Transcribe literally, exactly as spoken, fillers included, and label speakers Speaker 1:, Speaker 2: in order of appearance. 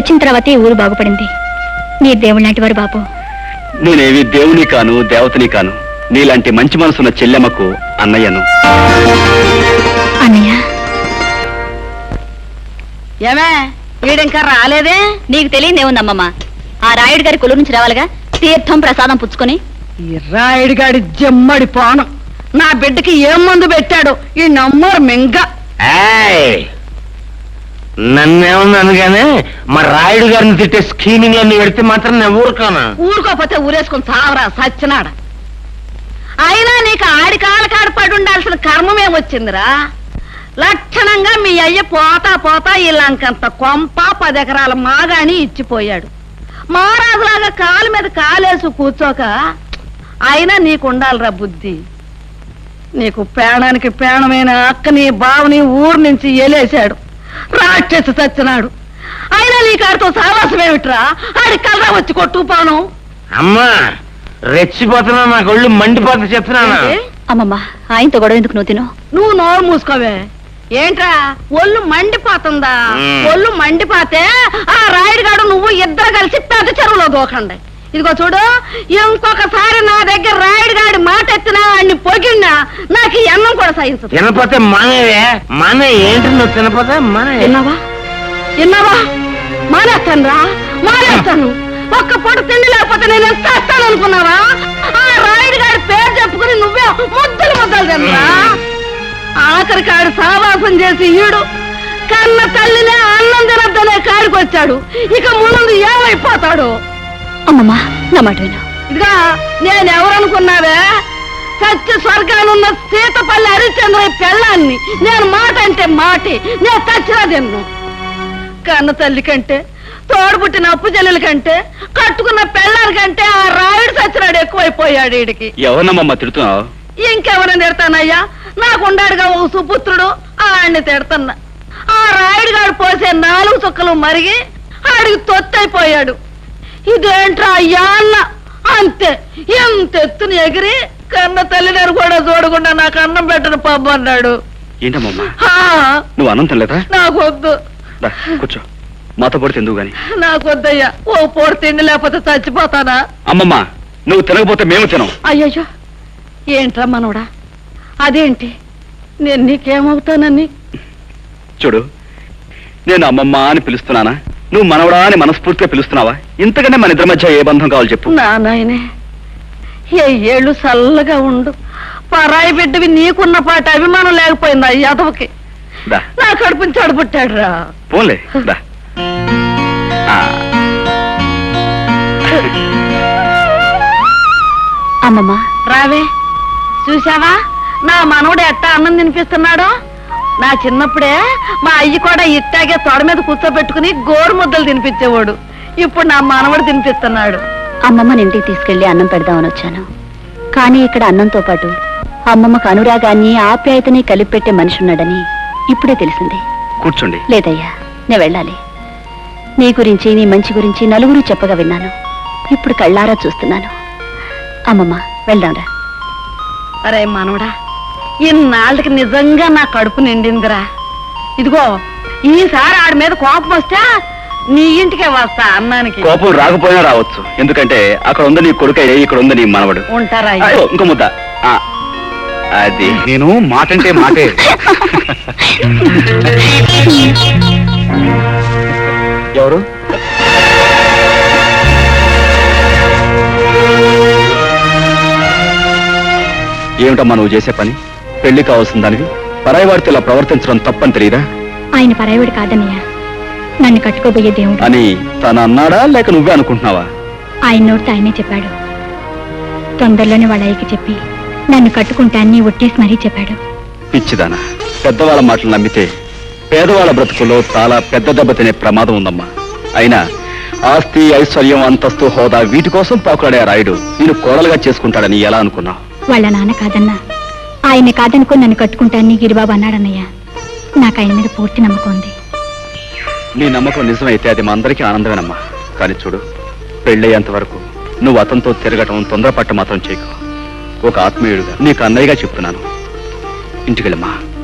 Speaker 1: వచ్చిన తర్వాతే ఊరు బాగుపడింది. మీరు దేవుడు లాంటి వారు బాబు.
Speaker 2: నేనేవి దేవుని కాను, దేవతని కాను. నీలాంటి మంచి మనసున్న చెల్లెమ్మకు అన్నయ్యను.
Speaker 1: అన్నయ్య
Speaker 3: ఏమే వీడింకా రాలేదే?
Speaker 1: నీకు తెలియదేముందమ్మమ్మ, ఆ రాయుడు గారి కొలు నుంచి రావాలిగా తీర్థం ప్రసాదం పుచ్చుకొని.
Speaker 3: ఈ రాయుడు గాడి జమ్మడి పానం నా బిడ్డకి ఏం మందు పెట్టాడు ఈ నమ్మరు మింగ.
Speaker 4: నన్నేమన్నాను గానే మా రాయుడు గారిని తిట్టే స్కీమింగ్ అన్ని పెడితే మాత్రం నేను ఊరుకోనా?
Speaker 3: ఊరుకోపోతే ఊరేసుకుని చావరా సచ్చినాడ. అయినా నీకు ఆడి కాళ్ళ కాడ పడి ఉండాల్సిన కర్మమేమొచ్చిందిరా? లక్షణంగా మీ అయ్య పోతా పోతా ఇలాంకంత కొంప పదెకరాల మాగాని ఇచ్చిపోయాడు. మహారాజులాగా కాలు మీద కాలేసు కూర్చోక అయినా నీకుండాలిరా బుద్ధి. నీకు పేణానికి పేణమైన అక్కని బావని ఊరు నుంచి ఎలేశాడు, రాక్షసి చచ్చినాడు. అయినా నీ కాడితో సావాసమేమిట్రా? ఆడి కలరా వచ్చి కొట్టుకుపోను.
Speaker 4: అమ్మా రెచ్చిపోతున్నా, నాకు ఒళ్ళు మండిపోతా చెప్తున్నాను.
Speaker 1: అమ్మమ్మ ఆయనతో గొడవ ఎందుకు నువ్వు తిను?
Speaker 3: నువ్వు నోరు మూసుకోవే. ఏంట్రా ఒళ్ళు మండిపోతుందా? ఒళ్ళు మండిపోతే ఆ రాయుడుగాడు నువ్వు ఇద్దరు కలిసి పెద్ద చెరువులో దూకండి. ఇదిగో చూడు, ఇంకొకసారి నా దగ్గర రాయుడుగాడి మాట ఎత్తినా అన్ని పొగిడినా నాకు ఈ అన్నం కూడా సహించదు.
Speaker 4: తినపోతే మానేవే మానే. ఏంటి నువ్వు తినపోతే మానే?
Speaker 3: విన్నావా విన్నావా? మానేస్తాను రా, మానేస్తాను. ఒక్క పూట తిండి లేకపోతే నేను ఎంత చేస్తాను అనుకున్నావా? ఆ రాయుడుగాడి పేరు చెప్పుకుని నువ్వే ముద్దలు ముద్దలు తినరా? ఆఖరి కాడు సావాసం చేసి ఈడు కన్న తల్లినే అన్నం తినద్దనే కాడికి వచ్చాడు. ఇక ముందు ఏమైపోతాడు?
Speaker 1: అమ్మమ్మ నా మాట విను.
Speaker 3: ఇదిగా నేనెవరనుకున్నావే? సత్య స్వర్గానున్న సీతపల్లి హరిశ్చంద్ర పెళ్ళాన్ని. నేను మాట అంటే మాటి, నేను చచ్చినా తిన్ను. కన్న తల్లి కంటే, తోడుపుట్టిన అప్పు చెల్లెల కంటే, కట్టుకున్న పెళ్ళారి కంటే ఆ రాయుడు సచ్చినాడు ఎక్కువైపోయాడు. వీడికి
Speaker 2: ఎవరమ్మమ్మ తిడుతున్నావు?
Speaker 3: ఇంకెవరని తిడతానయ్యా? నాకుండాడుగా ఓ సుపుత్రుడు, ఆడిని తిడతన్నా. ఆ రాయుడుగాడు పోసే నాలుగు చుక్కలు మరిగి ఆడికి తొత్తైపోయాడు. ఇదేంట్రా అయ్యా అన్న అంతే. ఎంత ఎత్తున ఎగిరి కన్న తల్లిదారు కూడా చూడకుండా నాకు అన్నం పెట్టను పబ్బు అన్నాడు.
Speaker 2: ఏంటమ్మమ్మా నువ్వు అన్నం తినలేదా?
Speaker 3: నాకు వద్దు.
Speaker 2: కూర్చో, మాతో పొడి తిందువు గాని.
Speaker 3: నాకు వద్దయ్యా, ఓ పొడి తిండి లేకపోతే చచ్చిపోతానా?
Speaker 2: అమ్మమ్మా నువ్వు తినకపోతే మేము తినం.
Speaker 3: అయ్యయ్యో ఏంట్రా మనోడా, అదేంటి? నేను నీకేమవుతానని?
Speaker 2: చూడు, నేను అమ్మమ్మ అని పిలుస్తున్నానా, నువ్వు మనవడా అని మనస్ఫూర్తిగా పిలుస్తున్నావా? ఇంతకంటే మన ఇద్దరి మధ్య ఏ బంధం కావాలి చెప్పు.
Speaker 3: నా నాయనే, ఏ ఏళ్ళు చల్లగా ఉండు. పరాయి బిడ్డవి నీకున్న పాట అభిమానం లేకపోయిందా యాదవకి? నా కడుపుని చెడబుట్టాడు రా.
Speaker 2: పోన్లే దా.
Speaker 1: అమ్మమ్మ
Speaker 3: రావే. చూసావా నా మనవడు ఎట్టా అన్నం తినిపిస్తున్నాడో? నా చిన్నప్పుడే మా అయ్యి కూడా ఇట్టాగే తొడ మీద కూర్చోబెట్టుకుని గోరు ముద్దలు తినిపించేవాడు. ఇప్పుడు నా మనవడు తినిపిస్తున్నాడు.
Speaker 1: అమ్మమ్మని ఇంటికి తీసుకెళ్లి అన్నం పెడదామని వచ్చాను. కానీ ఇక్కడ అన్నంతో పాటు అమ్మమ్మకు అనురాగాన్ని ఆప్యాయతని కలిపి పెట్టే మనిషి ఉన్నాడని ఇప్పుడే తెలిసింది.
Speaker 2: కూర్చోండి.
Speaker 1: లేదయ్యా, నేను వెళ్ళాలి. నీ గురించి, నీ మంచి గురించి నలుగురు చెప్పగా విన్నాను. ఇప్పుడు కళ్ళారా చూస్తున్నాను. అమ్మమ్మ వెళ్దాంరా.
Speaker 3: అరే మనవడా, ఇన్నాళ్ళకి నిజంగా నా కడుపు నిండిందిరా. ఇదిగో ఈసారి ఆడి మీద కోపం వస్తే నీ ఇంటికే వస్తా అన్నానికి.
Speaker 2: కోపం రాకపోయినా రావచ్చు, ఎందుకంటే అక్కడ ఉంది నీ కొడుకయ్యే, ఇక్కడ ఉంది నీ మనవడు.
Speaker 3: ఉంటారా?
Speaker 2: ఇంకో ముద్ద. అది నేను మాటంటే మాటే. ఎవరు? ఏమిటమ్మా నువ్వు చేసే పని? పెళ్లి కావాల్సిన దానివి పరాయి వాడితో ఇలా ప్రవర్తించడం తప్పని తెలియదా?
Speaker 1: ఆయన పరాయివాడు కాదన్నయ్య, నన్ను కట్టుకోబోయే దేవుడు
Speaker 2: అని తను అన్నాడా లేక నువ్వే అనుకుంటున్నావా?
Speaker 1: ఆయన నోటితో ఆయనే చెప్పాడు. తొందరలోనే వాళ్ళ అయ్యకి చెప్పి నన్ను కట్టుకుంటాన్ని ఒట్టేసి మరీ చెప్పాడు.
Speaker 2: పిచ్చిదానా, పెద్దవాళ్ళ మాటలు నమ్మితే పేదవాళ్ళ బ్రతుకుల్లో చాలా పెద్ద దెబ్బ తినే ప్రమాదం ఉందమ్మా. అయినా ఆస్తి, ఐశ్వర్యం, అంతస్తు, హోదా వీటి కోసం పాకులాడే రాయుడు నేను కోడలుగా చేసుకుంటాడని ఎలా అనుకున్నావు?
Speaker 1: వాళ్ళ నాన్న కాదన్నా, ఆయన్ని కాదనుకో నన్ను కట్టుకుంటాన్ని గిరిబాబు అన్నాడన్నయ్య. నాకు ఆయన మీద పూర్తి నమ్మకం ఉంది.
Speaker 2: నీ నమ్మకం నిజమైతే అది మా అందరికీ ఆనందమేనమ్మా. కానీ చూడు, పెళ్ళయ్యేంత వరకు నువ్వు అతనితో తిరగటం, తొందరపట్ట మాత్రం చేయకు. ఒక ఆత్మీయుడుగా నీకు అన్నయ్యగా చెప్తున్నాను. ఇంటికెళ్ళమ్మా.